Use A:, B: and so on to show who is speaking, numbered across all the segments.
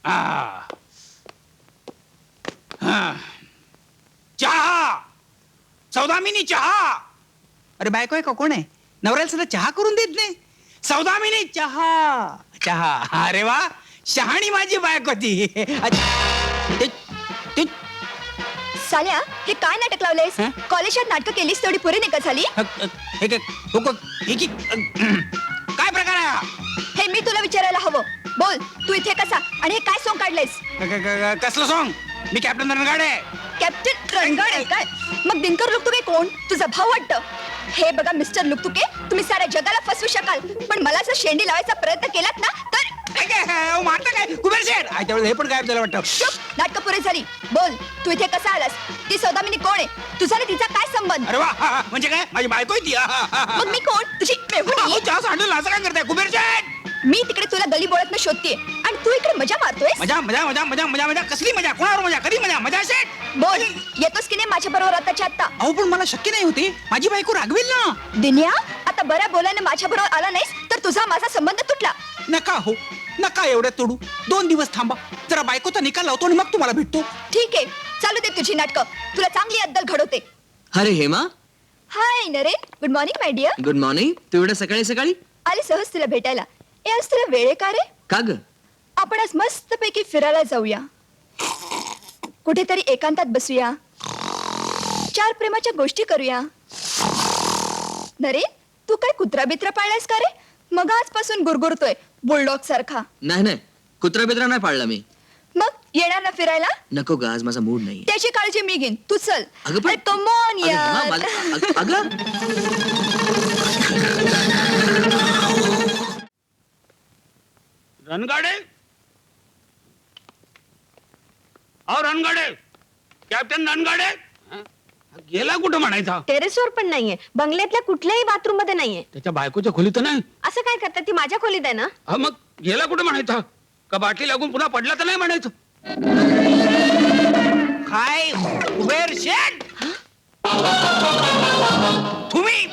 A: चहा सौदामिनी चहा.
B: अरे बायको आहे का कोण आहे? नवऱ्याला सुद्धा चहा करून देत नाही.
A: सौदामिनी चहा चहा. अरे वा, शहाणी माझी बायको ती.
C: साल्या, हे काय नाटक लावलंयस?
B: हं?
C: कॉलेजात नाटक केलीस तेवढी पुरी नाही का झाली?
A: काय प्रकार आहे हा?
C: हे मी तुला विचारायला हवं. बोल, तू इथे कसा आणि हे काय सोंग काढलंयस?
A: कसलं सॉंग? मी कॅप्टन रणगाडे.
C: कॅप्टन रणगाडे काय? मग दिनकर लुकतुके कोण? तुझा भाऊ वाटतं. हे बघा मिस्टर लुकतुके, तुम्ही साऱ्या जगाला फसवू शकाल, पण मला जर शेंडी लावायचा प्रयत्न केलात ना तर
A: मारता काय कुबेर शेठ? त्यावेळेस हे पण गायब झालं वाटतं.
C: चुप, नाटकं पुरी झाली. बोल, तू इथे कसा आलास? ती सौदामिनी कोण आहे? तुझा आणि तिचा काय संबंध?
A: अरे वा, म्हणजे काय? माझी बायको आहे ती.
C: मग मी कोण? तुझी मेहुणी?
A: चहा सांडलं असं काय करताय कुबेर शेठ?
C: मी तिकडे तुला गली बोळातनं शोधतीये आणि तू इकडे मजा मारतोय.
A: मजा मजा मजा मजा मजा मजा कसली मजा? कोणावर मजा? कधी मजा? मजा शेठ?
C: बोल, येतोस की नाही माझ्या बरोबर आताच्या आता?
B: अहो पण मला शक्य नाही होते. माझी बायको रागवेल ना.
C: दिन्या, आता बऱ्या बोलाने माझ्या बरोबर आला नाहीस तर तुझा माझा संबंध तुटला.
B: नका हो, नका एवढ्यात तोडू. 2 दिवस थांबा, जरा बायकोचा निकाल लावतो आणि मग तुम्हाला भेटतो.
C: ठीक आहे, चालू दे तुझी नाटकं. तुला चांगली अद्दल घडवते.
D: अरे Hema,
C: hi Naren, good morning my dear.
D: Good morning. तू एवढ्या सकाळी सकाळी
C: आले सहज तुला भेटायला. आज तुला वेळ आहे का रे?
D: का ग?
C: आपण आज मस्तपैकी फिरायला जाऊया, कुठेतरी एकांतात बसूया, 4 प्रेमाच्या गोष्टी करूया. नरेन, तू काय कुत्रा बित्रा पाळलायस का रे? मग आजपासून गुरगुरतोय बुलडॉग सारखा.
D: नाही नाही, कुत्रा बित्रा नाही पाळला मी.
C: मग येणार ना फिरायला?
D: नको ग, आज माझा मूड नाही.
C: त्याची काळजी मी घेईन, तू चल.
D: अगं पण-
C: कम ऑन
D: अगं हेमा,
C: यार.
D: अगं
A: रणगाडे, अहो रणगाडे, कॅप्टन रणगाडे गेला कुठं म्हणायचा?
E: टेरेसवर पण नाहीये, बंगल्यातल्या कुठल्याही बाथरूम मध्ये नाहीये.
A: त्याच्या बायकोच्या खोलीत नाही.
E: असं काय करतात? ती माझ्या खोलीत आहे ना.
A: हा मग गेला कुठं म्हणायचा? का बाटली लागून पुन्हा पडला तर नाही म्हणायचं? काय कुबेर शेठ, तुम्ही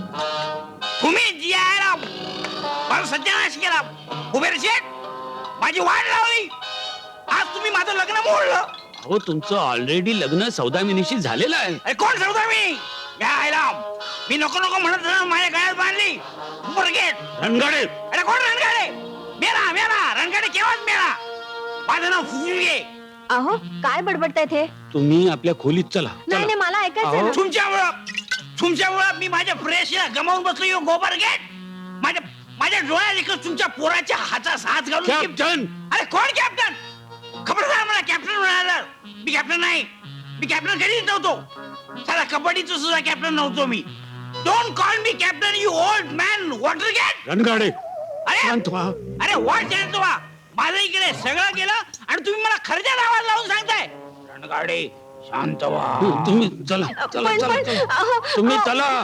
A: जियाला मला सत्यानाश केला. कुबेर शेठ, माझी वाट लावली. आज तुम्ही माझं लग्न मोडलं.
F: अहो तुमचं ऑलरेडी लग्न सौदामिनीशी झालेलं आहे.
A: अरे कोण सौदामिनी? मी नको नको म्हणत होतो, माझ्या गळ्यात बांधली.
F: रणगाडे,
A: अरे कोण रणगाडे? मेला मेला रणगाडे केव्हाच मेला. माझं नाव फुगे.
E: अहो काय बडबडतायत हे?
F: तुम्ही आपल्या खोलीत चला.
E: नाही नाही, मला ऐकायचं
F: अहो.
E: ना.
A: तुमच्यामुळं मी माझ्या फ्रेशला गमावून बसलो. यो गोबर गेट माझ्या डोळ्यात एकच तुमच्या पोराच्या हातात हात घालून.
F: कॅप्टन,
A: अरे कोण कॅप्टन? खबरदार, मला कॅप्टन म्हणाला. मी कॅप्टन नाही. मी कॅप्टन कधीच नव्हतो. साला कबड्डीचं सुद्धा कॅप्टन नव्हतो मी. Don't call me captain, you old man water gate.
F: Rangade,
A: अरे
F: शांत व्हा.
A: अरे वाट शांत व्हा. माझं इकडे सगळं गेलं आणि तुम्ही मला खर्चात आवाज लावून सांगताय. रणगाडे शांत व्हा.
F: तुम्ही चला चला
E: पण-
F: चला
E: पण-
F: चला.
E: अहो,
F: तुम्ही
E: अहो.
F: चला.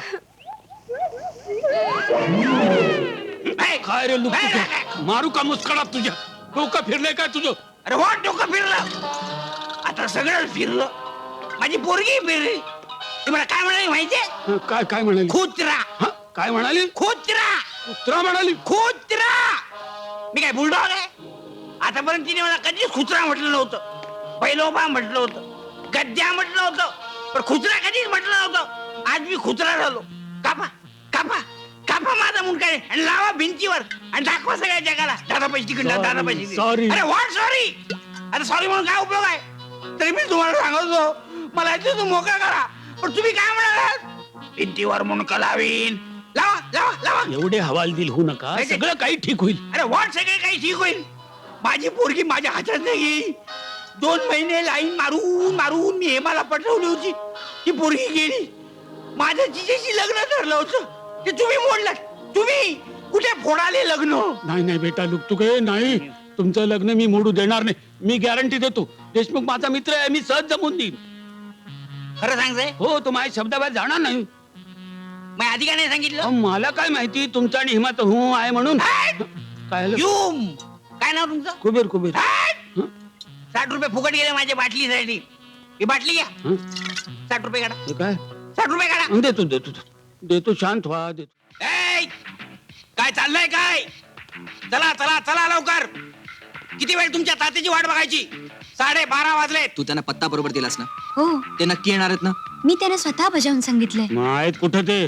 A: ए,
F: काय रे लुक,
A: ए,
F: मारू का मुस्कडात तुझ्या? डोकं फिरलंय काय तुझं?
A: अरे वाट डोकं फिरलं. आता सगळं फिरलं. माझी पोरगी फिरली. तुम्हाला काय म्हणाली माहितीये?
F: काय काय म्हणाली?
A: कुत्रा.
F: हा, काय म्हणाली?
A: कुत्रा.
F: कुत्रा म्हणाली.
A: कुत्रा. मी काय बुलडॉग आहे? आतापर्यंत तिने मला कधीच कुत्रा म्हटलं नव्हतं. बैलोबा म्हटलं होतं, गद्द्या म्हटलं होतं, पण कुत्रा कधीच म्हटलं नव्हतं. आज मी कुत्रा झालो. कापा कापा कापा माझा मुंडका आणि लावा भिंतीवर आणि दाखवा सगळ्या जगाला. दादा पैसे तिकडे, दादा पैसे.
F: Sorry.
A: अरे व्हॉट सॉरी? अरे सॉरी म्हणून काय उपयोग आहे? तरी मी तुम्हाला सांगतो, मला याची तू मोकळा करा. पण तुम्ही काय म्हणालात? भिंतीवर मुंडका लावीन. लावा लावा लावा.
F: एवढे हवालदिल होऊ नका,
A: नाही,
F: सगळं काही ठीक होईल.
A: अरे व्हॉट सगळे काही ठीक होईल? माझी पोरगी माझ्या हातात नाही. 2 महिने लाईन मारून मारून मी हेमाला पटवली होती. ती पोरगी गेली. माझं तिच्याशी लग्न ठरलं होतं, ते तुम्ही मोडलात. तुम्ही कुठे फोडाले लग्न?
F: नाही नाही बेटा लुकतुके, नाही. तुमचं लग्न मी मोडू देणार नाही. मी गॅरंटी देतो. देशमुख माझा मित्र आहे, मी सहज जमवून देईन.
A: खरं सांगताय?
F: हो, तो माझ्या शब्दाबाहेर जाणार नाही.
A: मी आधी का नाही सांगितलं?
F: अहो, मला काय माहिती तुमचा आणि हिमाचं हो आहे म्हणून.
A: हट!
F: काय झालं?
A: युम काय नाव तुमचं?
F: कुबेर कुबेर.
A: हट!
F: हं?
A: 60 रुपये फुकट गेले माझ्या बाटलीसाठी. ही बाटली घ्या.
F: हं?
A: 60 रुपये काढा.
F: हे काय?
A: 60 रुपये काढा.
F: देतो देतो देतो, शांत व्हा, देतो.
A: ए, काय चाललंय काय? चला चला चला लवकर. किती वेळ तुमच्या तात्याची वाट बघायची? 12:30 वाजलेत.
D: तू त्यांना पत्ता बरोबर दिलास ना?
E: हो
D: ते नक्की येणार आहेत ना?
E: मी त्यांना स्वतः बजावून सांगितलंय.
F: मग आहेत कुठं ते?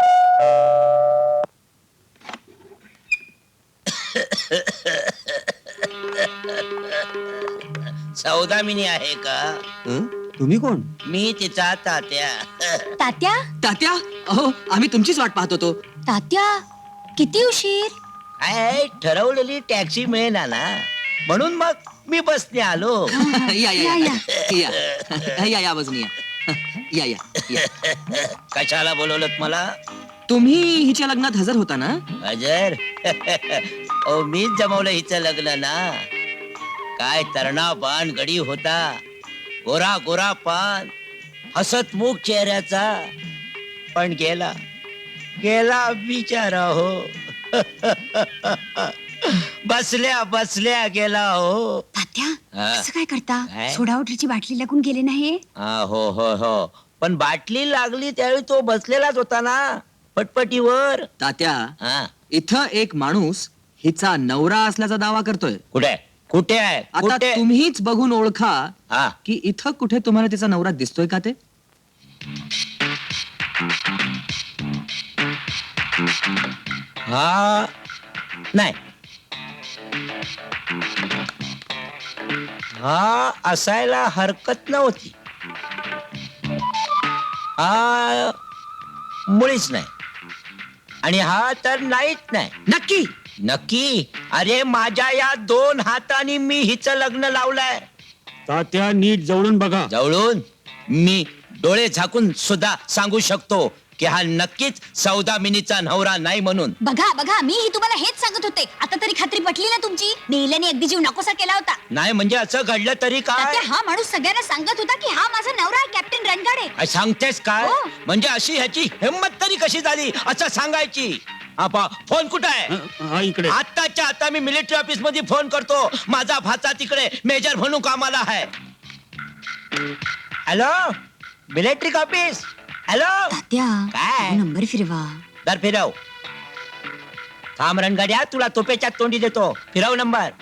A: सौदामिनी आहे का?
B: तुम्ही कोण?
A: मी तिचा तात्या.
E: तात्या
D: तात्या, अहो आम्ही तुमचीच वाट पाहत होतो.
E: तात्या किती उशीर.
A: काय ठरवलेली टॅक्सी मिळेना ना, म्हणून मग मी बसने आलो.
D: या या या या या बाजूने या या या.
A: कशाला बोलवलं मला?
D: तुम्ही हिच्या लग्नात हजर होता ना?
A: अजर ओ मीच जमवलं हिचं लग्न ना. काय तरणा पान गडी होता, गोरा गोरा पान, हसतमुख चेहऱ्याचा, पण गेला गेला बिचारा हो. बसल्या बसल्या गेला हो.
E: तात्या
A: हा.
E: असं काय करता?
A: काय?
E: सोडा वॉटरची बाटली लागून गेले नाही.
A: हो हो हो, पण बाटली लागली त्यावेळी तो बसलेलाच होता ना पटपटीवर.
D: तात्या,
A: हा,
D: इथं एक माणूस हिचा नवरा असल्याचा दावा करतोय.
A: कुठे कुठे आहे?
D: आता
A: कुठे?
D: तुम्हीच बघून ओळखा
A: हा,
D: की इथं कुठे तुम्हाला तिचा नवरा दिसतोय का ते?
A: हा नाही, हा असायला हरकत नव्हती. हा मुळीच नाही, आणि हा तर नाहीच नाही.
D: नक्की?
A: नक्की. अरे माझ्या या 2 हातांनी मी हिचं लग्न लावलंय.
F: तात्या नीट जवळून बघा.
A: जवळून मी डोळे झाकून सुद्धा सांगू शकतो की हा नक्कीच सौदामिनीचा नवरा नाही म्हणून.
C: बघा बघा, मी तुम्हाला हेच सांगत होते. आता तरी खात्री पटली ना तुमची? नेल्याने अगदी जीव नकोसा केला होता.
A: नाही म्हणजे असं घडलं तरी काय?
C: तात्या, हा माणूस सगळ्यांना सांगत होता की हा माझा नवरा आहे, कॅप्टन रणगाडे.
A: काय सांगतेस काय?
C: हो.
A: म्हणजे अशी ह्याची हिंमत तरी कशी झाली असं सांगायची? आपा फोन कुठं आहे?
F: हा इकडे.
A: आत्ताच्या आता मी मिलिटरी ऑफिस मध्ये फोन करतो. माझा भाचा तिकडे मेजर म्हणून कामाला आहे. Hello, military office. Hello,
E: Tatya
A: काय?
E: नंबर फिरवा.
A: दर फिरव. थांब रणगाड्या, तुला तोपेच्या तोंडी देतो. फिरव नंबर.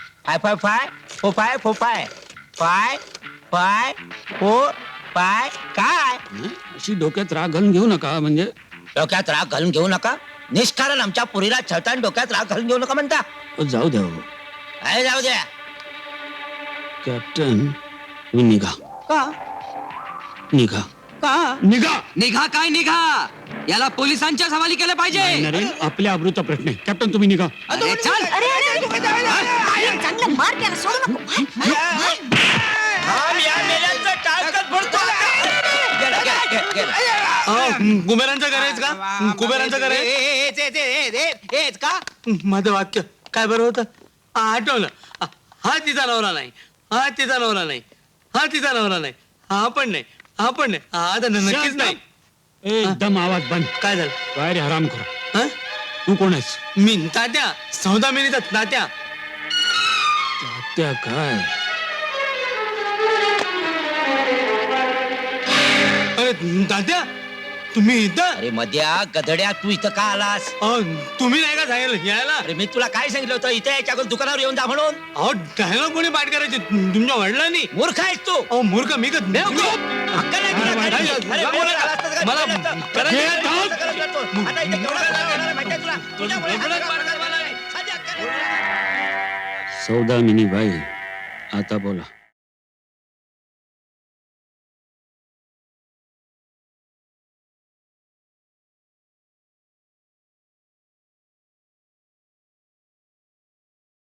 A: 55545454545. काय
F: अशी डोक्यात राग घालून घेऊ नका. म्हणजे
A: डोक्यात राग घालून घेऊ नका? निष्कारण आमच्या पुरीला छळताना डोक्यात राग घालून घेऊ नका म्हणता?
F: जाऊ द्या हो.
A: काय जाऊ द्या?
F: कॅप्टन, तुम्ही निघा
B: का?
F: निघा
B: का?
F: निघा.
D: निघा काय निघा? याला पोलिसांच्या हवाली केलं पाहिजे.
F: नरेन, आपल्या अमृता प्रश्न आहे. कॅप्टन तुम्ही निघा.
D: अरे चल.
C: चांगलं मार त्याला, सोडू नको.
A: थांब, या मेल्यांचं टाळकं फोडतो. गेला, गेला, गेला, गेला.
G: कुबेरांचं करायचं का? कुबेरांचं करायचं
B: हेच का?
G: माझं वाक्य काय बरं होतं? आठवलं. हा तिचा नवरा नाही, हा तिचा नवरा नाही, हा तिचा नवरा नाही, हा पण नाही, हा पण नाही, हा तर नक्कीच नाही.
F: एकदम आवाज बंद.
G: काय झालं?
F: काय रे हराम करा.
G: हं?
F: तू कोण आहेस?
G: मी तात्या, सौदामिनीचा तात्या.
F: तात्या काय?
G: अरे तात्या, तुम्ही इथं?
A: अरे मध्या गधड्या, तू इथं का आलास?
G: तुम्ही नाही का सांगितलं यायला?
A: अरे मी तुला काय सांगितलं होतं इथे याच्या अगोदर दुकानावर येऊन जा म्हणून?
G: अहो डायलॉग कोणी पाठ करायचे? तुमच्या वडिलांनी?
A: मूर्ख आहेस तू.
G: अहो मूर्ख मी का?
A: हक्क नाही तुला करायची. अरे बोलत आलास तर काय
G: मला
A: बोलत असतं?
G: करायचं
A: करायचं
G: नाही.
A: असतं, करायचं असतं. आता इथे केवढा त्रास होणार आहे माहिती आहे तुला? तुझ्यामुळे हा सगळा प्रकार झाला आहे. साधी हक्क नाही तुला.
F: सौदामिनी बाई, आता बोला.